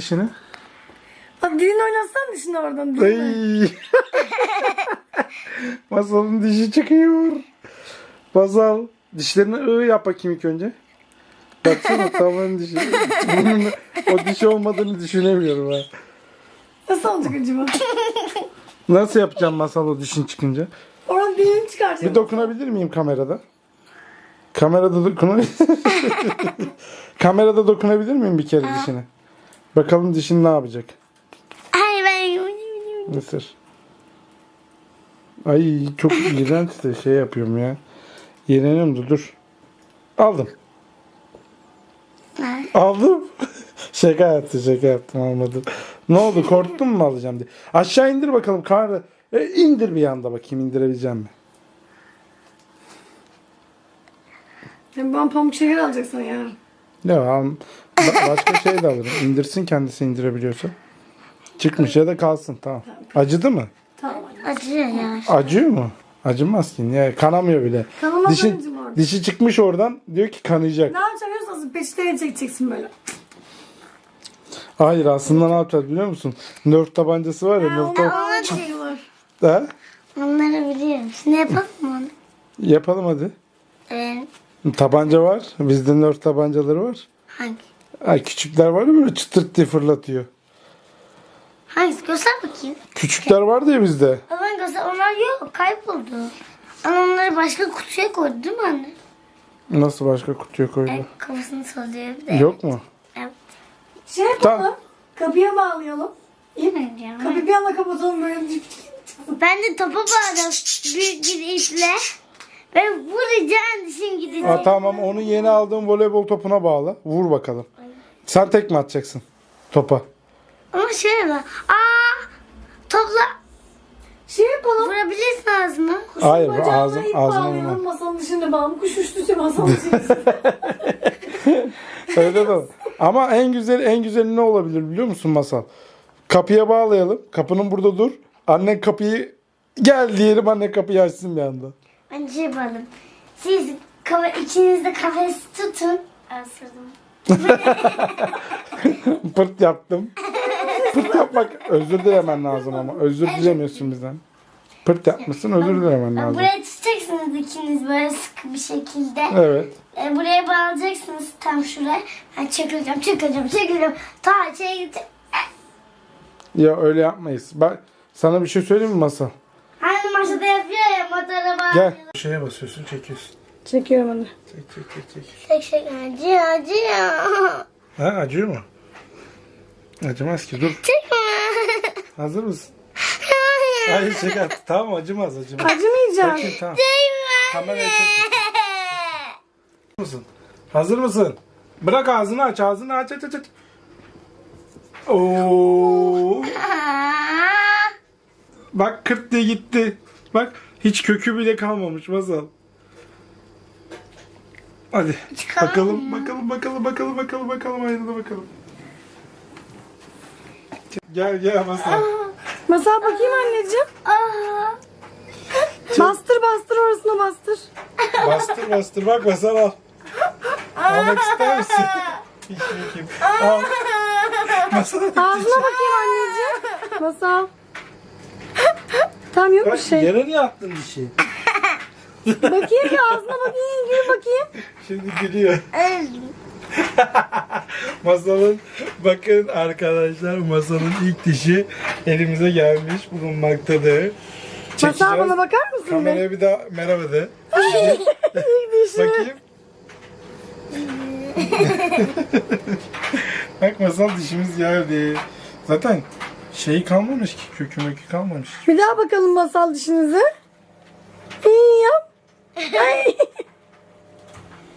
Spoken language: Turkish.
dişini. Hadi dilini oynatsan dişini oradan. Dilini. Ay. Masalın dişi çıkıyor. Masal dişlerini yap bakayım ilk önce. Baksana tamamen dişi. Bunun o diş olmadığını düşünemiyorum ha. Nasıl olacak acaba? Nasıl yapacağım Masal o dişin çıkınca? Oradan dilini çıkaracağım. Bir dokunabilir miyim kamerada? Kamerada Kamerada dokunabilir miyim bir kere dişine? Bakalım dişin ne yapacak? Hayır ben Mısır. Ay çok iğrenç de şey yapıyorum ya. İğreniyorum da dur. Aldım. Aldım. Şaka yaptım almadım. Ne oldu korktun mu alacağım diye. Aşağı indir bakalım karnı. İndir bir yanda bakayım indirebileceğim mi? Ben pamuk şeker alacaksın yarın. Ya başka şey de alırım. İndirsin kendisi indirebiliyorsa. Çıkmış ya da kalsın tamam. Acıdı mı? Tamam. acıyor ya. Acıyor mu? Acımaz ki. Ya, kanamıyor bile. Kanamaz Dişi, anneciğim orada. dişi çıkmış oradan diyor ki kanayacak. Ne yapacağım biliyor musun? Peçeteye çekeceksin böyle. Hayır aslında ne yapacağız biliyor musun? Nerf tabancası var ya. Nerf Ona çekiyorlar. Ha? Onları biliyorum. Şimdi yapalım mı onu? Yapalım hadi. Evet. Tabanca var. Bizde Nerf tabancaları var. Hangi? Ay, küçükler var ya böyle çıtırt diye fırlatıyor. Hangisi? Göster bakayım. Küçükler vardı ya bizde. O zaman göster. Onlar yok. Kayboldu. Ama onları başka kutuya koydu değil mi anne? Nasıl başka kutuya koydu? Kafasını sallıyor bir de. Yok mu? Evet. Şey yapalım. Tamam. Kapıya bağlayalım. İyi mi? Bilmiyorum. Kapıyı bir anda kapatalım böyle. Ben de topa bağladım. Büyük bir iple. Ve vuracağım dişim gidecek. Ha, tamam onu yeni aldığım voleybol topuna bağla. Vur bakalım. Sen tek mi atacaksın topa? Ama şöyle bak. Topla Şey yapalım. vurabilirsin ağzına. Hayır Bacağına ağzım ip ağzıma bağlayalım, vurma. masanın dışında bağlı. Kuş uçtuysa masanın dışında. Öyle de olur. Ama en güzeli ne olabilir biliyor musun Masal? Kapıya bağlayalım. Kapının burada dur. Annen kapıyı gel diyelim annen kapıyı açsın bir anda. Bence şey yapalım. Siz içinizde kafes tutun. Asırdım. Pırt yaptım. Pırt yapmak özür dilemen lazım ama. Özür dilemiyorsun bizden. Pırt yapmışsın özür dilemen lazım. Buraya tutacaksınız ikiniz böyle sıkı bir şekilde. Evet. Buraya bağlayacaksınız tam şuraya. Ben çekileceğim. Ta şeye gidecek. Ya öyle yapmayız. Bak sana bir şey söyleyeyim mi Masal? Hani maşada yapıyor ya motora bağlıyor. Gel. Şeye basıyorsun çekiyorsun. Çekiyorum onu. Çek. Acıyor. Ha acıyor mu? Acımaz ki dur. Çekme. Hazır mısın? Hayır. Hayır şaka. Tamam acımaz. Acımayacağım. Bakayım tamam. Kameraya çek. Mısın? Hazır mısın? Bırak ağzını aç. Aç. Oo. Bak kırt diye gitti. Bak hiç kökü bile kalmamış Masal. Hadi bakalım aynada bakalım. Gel Masal. Masal bakayım anneciğim. Bastır orasına bastır. Bastır bak Masal al. Almak ister misin? Hiç bakayım. Al. Masal Ağzına bakayım anneciğim. Masal. Tam yok bir bak şey. yere niye attın dişi? Bakayım bir ağzına bakayım. Gül bakayım. Şimdi gülüyor. Masalın bakın arkadaşlar Masalın ilk dişi elimize gelmiş bulunmaktadır. Masal bana bakar mısın be? Kameraya bir daha merhaba de. Bakayım. Bak Masal dişimiz geldi. Zaten şey kalmamış ki kökü kalmamış. Bir daha bakalım masal dişinizi. İyi yap. Ay.